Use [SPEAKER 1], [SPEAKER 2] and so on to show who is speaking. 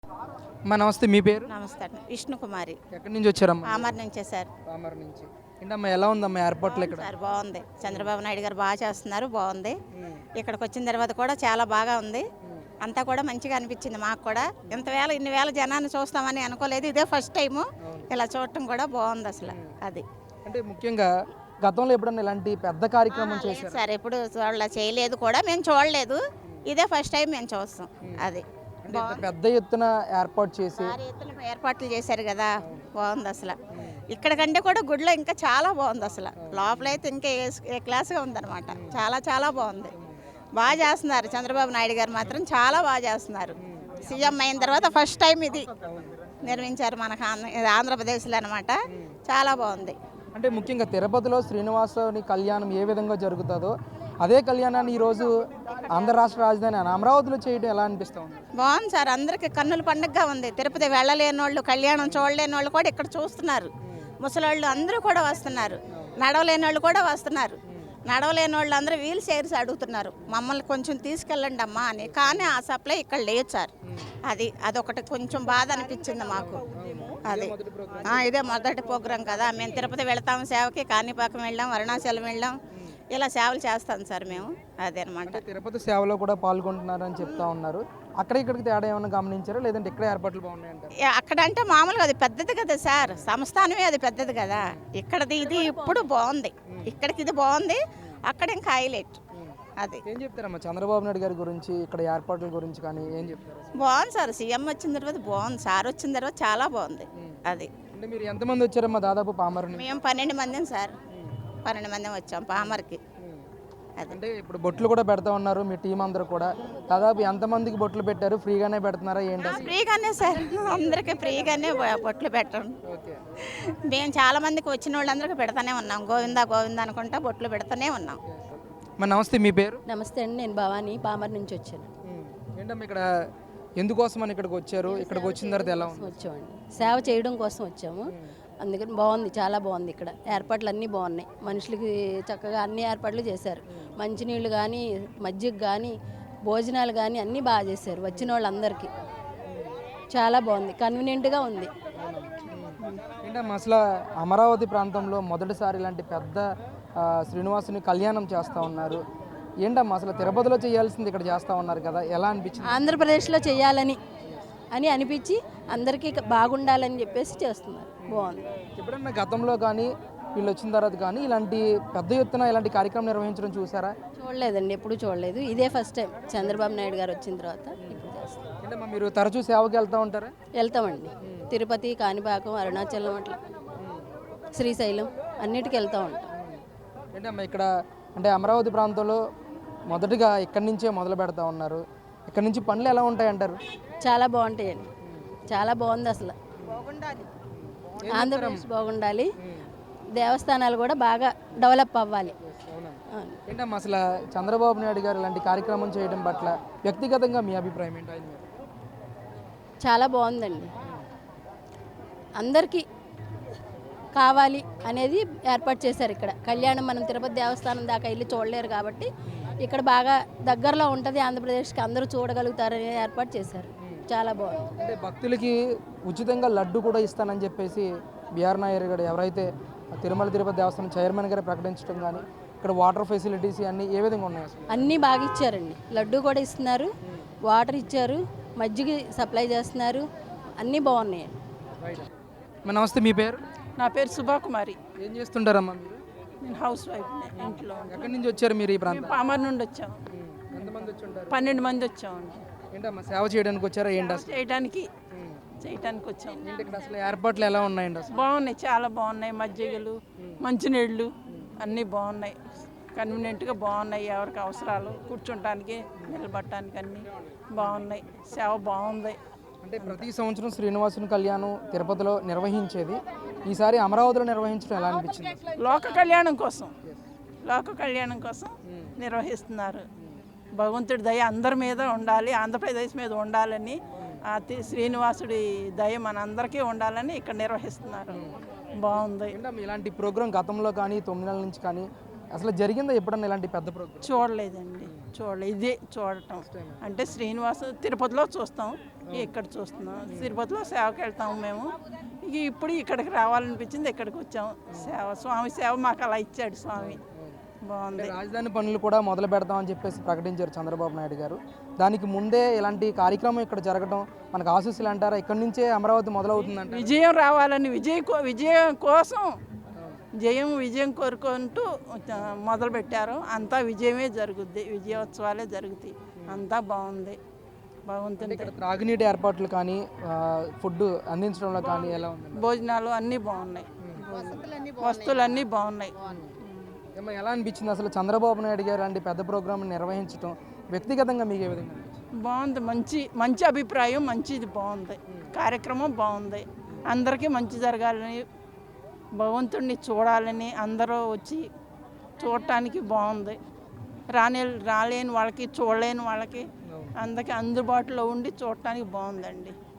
[SPEAKER 1] నమస్తే మీ పేరు?
[SPEAKER 2] నమస్తే అండి. విష్ణుకుమారి.
[SPEAKER 1] ఎక్కడి నుంచి వచ్చారమ్మా?
[SPEAKER 2] పామర్ నుంచే సార్.
[SPEAKER 1] పామర్ నుంచి. ఏంటమ్మా ఎలా ఉందమ్మా ఎయిర్‌పోర్ట్‌లో ఇక్కడ?
[SPEAKER 2] సార్ బాగుంది. చంద్రబాబు నాయుడు గారు బాగా చేస్తున్నారు, బాగుంది.
[SPEAKER 1] హ్మ్.
[SPEAKER 2] ఇక్కడికి వచ్చిన తర్వాత కూడా చాలా బాగా ఉంది.
[SPEAKER 1] హ్మ్.
[SPEAKER 2] అంతా కూడా మంచిగా అనిపించింది మాకు కూడా. ఇన్ని వేల జనాన్ని చూస్తామని అనుకోలేదు. ఇదే ఫస్ట్ టైము.
[SPEAKER 1] అవును.
[SPEAKER 2] ఇలా చూడటం కూడా బాగుంది అసలు. అది
[SPEAKER 1] అంటే ముఖ్యంగా గతంలో ఎప్పుడన్నా ఇలాంటి పెద్ద కార్యక్రమం
[SPEAKER 2] లేదు
[SPEAKER 1] చేశారా?
[SPEAKER 2] సార్, ఎప్పుడు చేయలేదు కూడా, మేము చూడలేదు. ఇదే ఫస్ట్ టైం మేము చూస్తాం. అది
[SPEAKER 1] అంటే ఇంత పెద్ద ఎత్తున ఏర్పాటు చేసి
[SPEAKER 2] భారీ ఎత్తున ఏర్పాట్లు చేశారు కదా, బాగుంది అసలు. ఇక్కడ కంటే కూడా గుడిలో ఇంకా చాలా బాగుంది అసలు. లోపలైతే ఇంకా ఏ క్లాస్గా ఉందన్నమాట. చాలా చాలా బాగుంది. బాగా చేస్తున్నారు చంద్రబాబు నాయుడు గారు, మాత్రం చాలా బాగా చేస్తున్నారు. సీఎం అయిన తర్వాత ఫస్ట్ టైం ఇది నిర్మించారు మనకు ఆంధ్రప్రదేశ్లో అనమాట. చాలా బాగుంది.
[SPEAKER 1] అంటే ముఖ్యంగా తిరుపతిలో శ్రీనివాసుని కళ్యాణం ఏ విధంగా జరుగుతుందో అదే కళ్యాణాన్ని ఈరోజు ఆంధ్ర రాష్ట్ర రాజధాని అమరావతిలో చేయడం ఎలా అనిపిస్తూ ఉంది?
[SPEAKER 2] బాగుంది సార్, అందరికీ కన్నుల పండుగగా ఉంది. తిరుపతి వెళ్ళలేని వాళ్ళు, కళ్యాణం చూడలేని వాళ్ళు కూడా ఇక్కడ చూస్తున్నారు. ముసలోళ్ళు అందరూ కూడా వస్తున్నారు, నడవలేని వాళ్ళు కూడా వస్తున్నారు. నడవలేని వాళ్ళు అందరూ వీల్ చైర్స్ అడుగుతున్నారు, మమ్మల్ని కొంచెం తీసుకెళ్ళండి అమ్మా అని. కానీ ఆ సప్లై ఇక్కడ లేదు సార్. అదొకటి కొంచెం బాధ అనిపించింది మాకు. అది ఇదే మొదటి ప్రోగ్రాం కదా. మేము తిరుపతి వెళ్తాం సేవకి, కాణిపాకం వెళ్ళాం, అరుణాచలం వెళ్ళాం, ఇలా సేవలు చేస్తాం సార్ మేము. అదనమాట.
[SPEAKER 1] తిరుపతి సేవలో కూడా పాల్గొంటున్నారని చెప్తా ఉన్నారు. అక్కడ ఇక్కడికి తేడా ఏమైనా గమనించారా, లేదంటే ఇక్కడ ఏర్పాట్లు బాగున్నాయంటారు?
[SPEAKER 2] అక్కడ అంటే మామూలుగా అది పెద్దది కదా సార్, సంస్థానమే అది పెద్దది కదా. ఇక్కడది ఇది ఇప్పుడు బాగుంది, ఇక్కడికి ఇది బాగుంది, అక్కడ ఇంకా హైలైట్. అది
[SPEAKER 1] ఏం చెప్తారమ్మా చంద్రబాబు నాయుడు గారి గురించి, ఇక్కడ ఏర్పాట్ల గురించి కానీ ఏం చెప్తారు?
[SPEAKER 2] బాగుంది సార్, సీఎం వచ్చిన తర్వాత బాగుంది, సార్ వచ్చిన తర్వాత చాలా బాగుంది. అది
[SPEAKER 1] అంటే మీరు ఎంతమంది వచ్చారమ్మా దాదాపు పామర్ నుంచి?
[SPEAKER 2] మేము 12 మందిని సార్, 12 మంది వచ్చాం పామర్కి.
[SPEAKER 1] అంటే ఇప్పుడు బొట్లు కూడా పెడతా ఉన్నారు మీ టీం అందరూ కూడా. దాదాపు ఎంతమందికి బొట్లు పెట్టారు? ఫ్రీగానే పెడుతున్నారా ఏంటి?
[SPEAKER 2] ఫ్రీగానే సార్, అందరికీ ఫ్రీగానే బొట్లు పెట్టడం.
[SPEAKER 1] ఓకే.
[SPEAKER 2] మేము చాలా మందికి వచ్చిన వాళ్ళందరికీ పెడతానే ఉన్నాం, గోవిందా గోవిందా అనుకుంటా బొట్లు పెడతానే ఉన్నాం.
[SPEAKER 1] నమస్తే మీ పేరు?
[SPEAKER 3] నమస్తే అండి, నేను భవానీ, పామర్ నుంచి వచ్చాను.
[SPEAKER 1] ఏంటమ్మా ఇక్కడ ఎందుకోసమని ఇక్కడికి వచ్చారు? ఇక్కడికి వచ్చిన తర్వాత ఎలా ఉంది?
[SPEAKER 3] వచ్చామండి, సేవ చేయడం కోసం వచ్చాము. అందుకని బాగుంది, చాలా బాగుంది. ఇక్కడ ఏర్పాట్లు అన్నీ బాగున్నాయి. మనుషులకి చక్కగా అన్ని ఏర్పాట్లు చేశారు. మంచినీళ్ళు కానీ, మజ్జిగ కానీ, భోజనాలు కానీ అన్నీ బాగా చేశారు. వచ్చిన వాళ్ళందరికీ చాలా బాగుంది, కన్వీనియంట్గా ఉంది.
[SPEAKER 1] ఏంటమ్మా అసలు అమరావతి ప్రాంతంలో మొదటిసారి ఇలాంటి పెద్ద శ్రీనివాసుని కళ్యాణం చేస్తూ ఉన్నారు. ఏంటమ్మా అసలు తిరుపతిలో చేయాల్సింది ఇక్కడ చేస్తూ ఉన్నారు కదా, ఎలా అనిపించింది?
[SPEAKER 3] ఆంధ్రప్రదేశ్లో చేయాలని అనిపించి అందరికీ బాగుండాలని చెప్పేసి చేస్తున్నారు. బాగుంది.
[SPEAKER 1] ఎప్పుడన్నా గతంలో కానీ వీళ్ళు వచ్చిన తర్వాత కానీ ఇలాంటి పెద్ద ఎత్తున ఇలాంటి కార్యక్రమం నిర్వహించడం చూసారా?
[SPEAKER 3] చూడలేదండి, ఎప్పుడు చూడలేదు. ఇదే ఫస్ట్ టైం చంద్రబాబు నాయుడు గారు వచ్చిన తర్వాత ఇప్పుడు చేస్తాం.
[SPEAKER 1] ఏంటమ్మా మీరు తరచూ సేవకి వెళ్తూ ఉంటారా?
[SPEAKER 3] వెళ్తామండి, తిరుపతి, కాణిపాకం, అరుణాచలం, అట్లా శ్రీశైలం అన్నిటికీ వెళ్తూ ఉంటాం.
[SPEAKER 1] ఏంటమ్మా ఇక్కడ అంటే అమరావతి ప్రాంతంలో మొదటిగా ఇక్కడి నుంచే మొదలు పెడతా ఉన్నారు. ఇక్కడ నుంచి పనులు ఎలా ఉంటాయంటారు?
[SPEAKER 3] చాలా బాగుంటాయండి, చాలా బాగుంది అసలు. ఆంధ్రప్రదేశ్ బాగుండాలి, దేవస్థానాలు కూడా బాగా డెవలప్ అవ్వాలి.
[SPEAKER 1] ఏంటమ్మా అసలు చంద్రబాబు నాయుడు గారు ఇలాంటి కార్యక్రమం చేయడం పట్ల వ్యక్తిగతంగా మీ అభిప్రాయం ఏంటి?
[SPEAKER 3] చాలా బాగుందండి, అందరికీ కావాలి అనేది ఏర్పాటు చేశారు. ఇక్కడ కళ్యాణం మనం తిరుపతి దేవస్థానం దాకా వెళ్ళి చూడలేరు కాబట్టి ఇక్కడ బాగా దగ్గరలో ఉంటుంది, ఆంధ్రప్రదేశ్కి అందరూ చూడగలుగుతారని ఏర్పాటు చేశారు. చాలా బాగుంది.
[SPEAKER 1] అంటే భక్తులకి ఉచితంగా లడ్డు కూడా ఇస్తానని చెప్పేసి బిఆర్ నాయర్ గారు ఎవరైతే తిరుమల తిరుపతి దేవస్థానం చైర్మన్ గారు ప్రకటించడం కానీ ఇక్కడ వాటర్ ఫెసిలిటీస్ అన్నీ ఏ విధంగా ఉన్నాయి?
[SPEAKER 3] అన్నీ బాగా ఇచ్చారండి, లడ్డు కూడా ఇస్తున్నారు, వాటర్ ఇచ్చారు, మజ్జిగ సప్లై చేస్తున్నారు, అన్నీ బాగున్నాయండి.
[SPEAKER 1] నమస్తే మీ పేరు?
[SPEAKER 4] నా పేరు సుభాకుమారి.
[SPEAKER 1] ఏం చేస్తుంటారమ్మా మీరు?
[SPEAKER 4] నేను హౌస్ వైఫ్, ఇంట్లో.
[SPEAKER 1] ఎక్కడి నుంచి వచ్చారు మీరు ఈ ప్రాంతం?
[SPEAKER 4] పామర్ నుండి వచ్చాము.
[SPEAKER 1] ఎంతమంది వచ్చి ఉంటారు?
[SPEAKER 4] 12 మంది వచ్చామండి.
[SPEAKER 1] ఏంటమ్మా సేవ చేయడానికి వచ్చారా ఏంటి? అసలు
[SPEAKER 4] చేయడానికి వచ్చాము.
[SPEAKER 1] ఏంటి ఇక్కడ అసలు ఏర్పాట్లు ఎలా ఉన్నాయండి? అసలు
[SPEAKER 4] బాగున్నాయి, చాలా బాగున్నాయి. మజ్జిగలు, మంచినీళ్ళు అన్నీ బాగున్నాయి, కన్వీనియంట్గా బాగున్నాయి. ఎవరికి అవసరాలు కూర్చోటానికి, నిలబడటానికి అన్నీ బాగున్నాయి. సేవ బాగుంది.
[SPEAKER 1] అంటే ప్రతి సంవత్సరం శ్రీనివాసుని కళ్యాణం తిరుపతిలో నిర్వహించేది, ఈసారి అమరావతిలో నిర్వహించడం ఎలా అనిపించింది?
[SPEAKER 4] లోక కళ్యాణం కోసం నిర్వహిస్తున్నారు. భగవంతుడి దయ అందరి మీద ఉండాలి, ఆంధ్రప్రదేశ్ మీద ఉండాలని, శ్రీనివాసుడి దయ మనందరికీ ఉండాలని ఇక్కడ నిర్వహిస్తున్నారు. బాగుంది.
[SPEAKER 1] ఇలాంటి ప్రోగ్రాం గతంలో కానీ 9 నెలల నుంచి కానీ అసలు జరిగిందా ఎప్పుడన్నా ఇలాంటి పెద్ద ప్రోగ్రామ్?
[SPEAKER 4] చూడలేదండి, చూడలేదు. ఇదే చూడటం అంటే శ్రీనివాస తిరుపతిలో చూస్తాం, ఇక్కడ చూస్తున్నాం. తిరుపతిలో సేవకి వెళ్తాము మేము. ఇప్పుడు ఇక్కడికి రావాలనిపించింది, ఇక్కడికి వచ్చాము. సేవ, స్వామి సేవ మాకు అలా ఇచ్చాడు స్వామి. బాగుంది.
[SPEAKER 1] రాజధాని పనులు కూడా మొదలు పెడతామని చెప్పేసి ప్రకటించారు చంద్రబాబు నాయుడు గారు. దానికి ముందే ఇలాంటి కార్యక్రమం ఇక్కడ జరగడం మనకు ఆశీస్సులు అంటారా? ఇక్కడి నుంచే అమరావతి మొదలవుతుందంట.
[SPEAKER 4] విజయం రావాలని, విజయం కోసం విజయం కోరుకుంటూ మొదలుపెట్టారు. అంతా విజయమే జరుగుద్ది, విజయోత్సవాలే జరుగుతాయి. అంతా బాగుంది, బాగుంటుంది.
[SPEAKER 1] ఇక్కడ త్రాగునీటి ఏర్పాట్లు కానీ ఫుడ్ అందించడంలో కానీ ఎలా ఉంది?
[SPEAKER 4] భోజనాలు అన్నీ బాగున్నాయి, వస్తువులన్నీ బాగున్నాయి.
[SPEAKER 1] ఏమో ఎలా అనిపించింది అసలు చంద్రబాబు నాయుడు గారు లాంటి పెద్ద ప్రోగ్రామ్ నిర్వహించడం వ్యక్తిగతంగా మీకు ఏ విధంగా అనిపించింది?
[SPEAKER 4] బాగుంది, మంచి అభిప్రాయం, మంచిది, బాగుంది. కార్యక్రమం బాగుంది. అందరికీ మంచి జరగాలని, భగవంతుడిని చూడాలని అందరూ వచ్చి చూడటానికి బాగుంది. రాలేని వాళ్ళకి, చూడలేని వాళ్ళకి అందరికీ అందుబాటులో ఉండి చూడటానికి బాగుందండి.